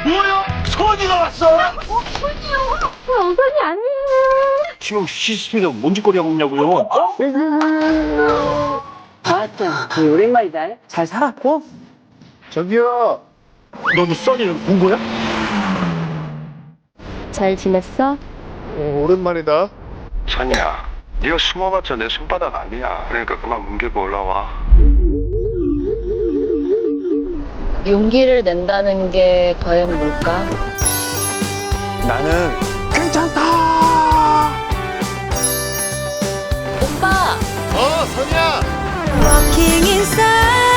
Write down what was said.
뭐야? 선이가 왔어? 우선이 아니에요. 지금 CCTV가 뭔 짓거리 하고 있냐고요? 아따, 오랜만이다. 잘 살았고? 저기요. 너도 써니를 본 거야? 잘 지냈어? 오랜만이다. 찬이야, 네가 숨어봤자 내 손바닥 아니야. 그러니까 그만 뭉개고 올라와. 용기를 낸다는 게 과연 뭘까? 나는 괜찮다. 오빠! 선이야. Walking inside